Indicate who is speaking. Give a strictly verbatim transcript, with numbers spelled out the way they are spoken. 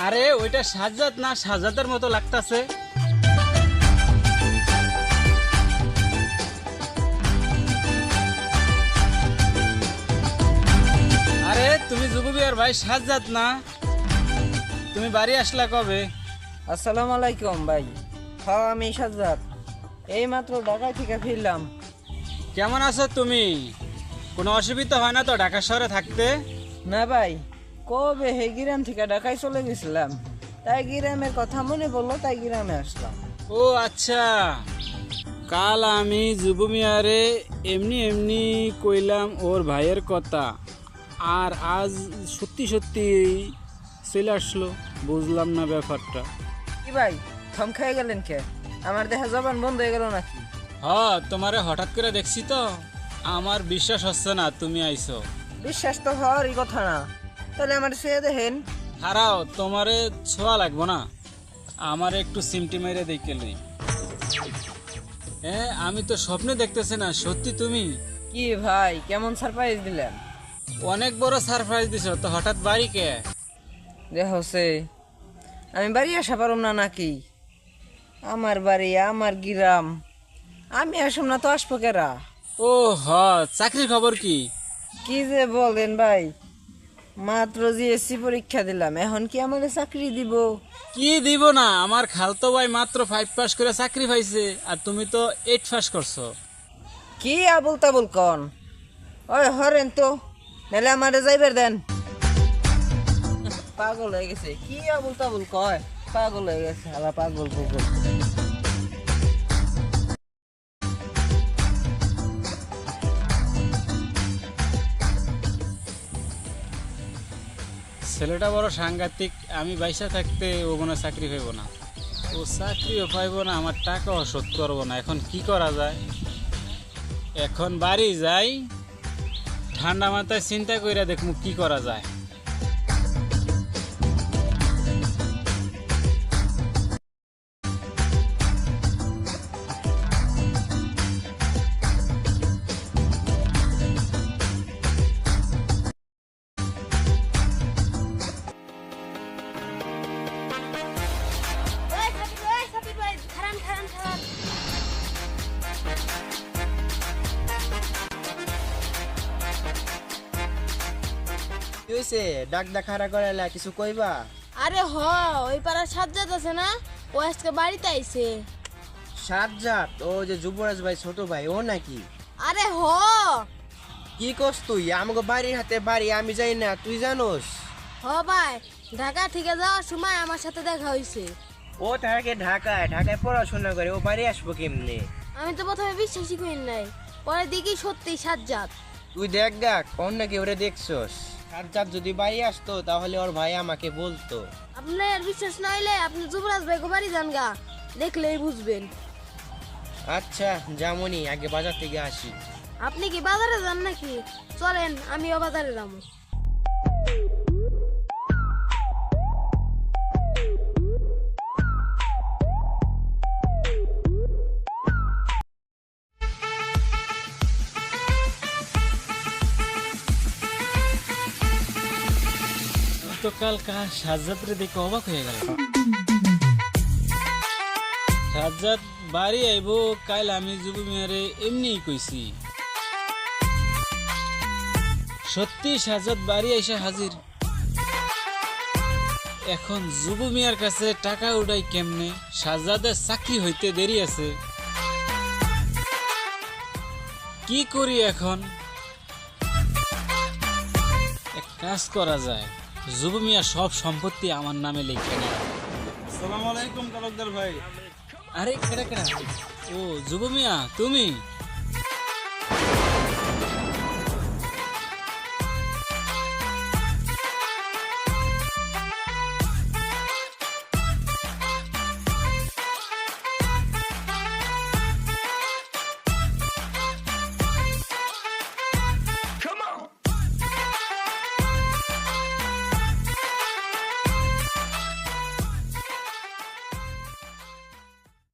Speaker 1: আরে ওইটা সাজ্জাদ না, সাজ্জাদের মতো লাগতাছে। আরে তুমি যুববিয়ার ভাই সাজ্জাদ না? তুমি বাড়ি আসলা কবে?
Speaker 2: আসসালামু আলাইকুম ভাই। হ্যাঁ আমি সাজ্জাদ, এই মাত্র ঢাকা থেকে ফিরলাম।
Speaker 1: কেমন আছো তুমি? কোনো অসুবিধা হয় না তো ঢাকা শহরে থাকতে?
Speaker 2: না ভাই, কবে হে গ্রাম থেকে ঢাকায় চলে গেছিলাম, তাই গ্রামের কথা মনে পড়লো, তাই গ্রামে আসলাম।
Speaker 1: ও আচ্ছা, কাল আমি যুবমিয়ারে এমনি এমনি কইলাম ওর ভাইয়ের কথা, আর আজ সত্যি সত্যি চলে আসলো। বুঝলাম না ব্যাপারটা।
Speaker 2: কি ভাই, থম খেয়ে গেলেন কে? আমার দেখা জবান বন্ধ হয়ে গেল নাকি?
Speaker 1: হ, তোমারে হঠাৎ করে দেখছি তো আমার বিশ্বাস হচ্ছে না তুমি আইছো।
Speaker 2: বিশ্বাস তো হওয়ারই কথা না, তাহলে আমার সে দেখেন।
Speaker 1: হারাও, তোমারে ছোঁয়া লাগবো না, আমার একটু সিমটি মেরে দেখে লই। হ্যাঁ, আমি তো স্বপ্নে দেখতেছি না, সত্যি তুমি?
Speaker 2: কি ভাই, কেমন সারপ্রাইজ দিলেন?
Speaker 1: অনেক বড় সারপ্রাইজ দিছো তো, হঠাৎ বাড়ি কে?
Speaker 2: দেখছে আমি বাড়ি আসা পারুম না নাকি? আমার বাড়ি, আমার গ্রাম, আমি আসুম না তো আসবো কেরা?
Speaker 1: ও হ, চাকরির খবর কি?
Speaker 2: কি যে বলেন ভাই, মাত্র জিএসসি পরীক্ষা দিলাম, এখন কি আমাকে চাকরি দিব?
Speaker 1: কি দিব না, আমার খালতো ভাই মাত্র ফাইভ পাস করে চাকরি পাইছে, আর তুমি তো এইট পাস করছো।
Speaker 2: কি আবুল তাবুল কন? ওই হরেন তো, নাহলে আমারে যাইবার দেন। পাগল হয়ে গেছে, কি আবুল তাবুল কয়? পাগল হয়ে গেছে, আলা পাগল পাগল।
Speaker 1: ছেলেটা বড় সাংঘাতিক, আমি বাইসা থাকতে ও কোনো চাকরি পাইব না, ও চাকরিও পাইব না, আমার টাকাও শোধ করবো না। এখন কি করা যায়? এখন বাড়ি যাই, ঠান্ডা মাথায় চিন্তা কইরা দেখমু কি করা যায়।
Speaker 3: ওই সাবির ভাই, সাবির ভাই, খারান খারান খারান।
Speaker 4: কি হইছে? ডাক ডাকারা করাইলা, কিছু কইবা?
Speaker 3: আরে হ, ওই পাড়ার সাজ্জাদ আছে না, ও আজকে বাড়িতে আইছে।
Speaker 4: সাজ্জাদ? ও যে যুবরাজ ভাই ছোট ভাই, ও নাকি?
Speaker 3: আরে হ,
Speaker 4: কি করছ তুই? আমাকে বাড়ির হাতে বাড়ি, আমি যাই না, তুই জানোস?
Speaker 3: হ ভাই, ঢাকা থেকে যাওয়ার সময় আমার সাথে দেখা হইছে।
Speaker 4: ও থাকে ঢাকায়, ঢাকায় পড়াশোনা করে, ও বাড়ি আসবো কেমনে?
Speaker 3: আমি তো প্রথমে বিশ্বাসই করি নাই, পরে দেখি সত্যি সাজ্জাদ।
Speaker 4: তুই দেখ দেখ, কোন নাকি ওরে দেখছস? সাজ্জাদ যদি বাড়ি আসতো তাহলে ওর ভাই আমাকে বলতো।
Speaker 3: আপনার বিশ্বাস না হইলে আপনি যুবরাজ ভাইকে বাড়ি যান গা, দেখলেই বুঝবেন।
Speaker 4: আচ্ছা যেমনই, আগে বাজার থেকে আসি।
Speaker 3: আপনি কি বাজারে যান নাকি? চলেন, আমিও বাজারে যাবো।
Speaker 1: তো কাল কা সাজ্জাদরে দেখে অবাক হয়ে গেল। সাজ্জাদ বাড়ি আইব কাল, আমি যুব মিয়ারে এমনি কইছি। সত্যি সাজ্জাদ বাড়ি আইসা হাজির। এখন যুব মিয়ার কাছে টাকা উঠাই কেমনে? সাজ্জাদের চাকরি হইতে দেরি আছে, কি করি এখন? এক কাজ করা যায়, যুব মিয়া সব সম্পত্তি আমার নামে লিখে নেয়।
Speaker 5: আসসালামু আলাইকুম তালুকদার ভাই।
Speaker 1: আরে কেডা কেডা? ও যুব মিয়া তুমি?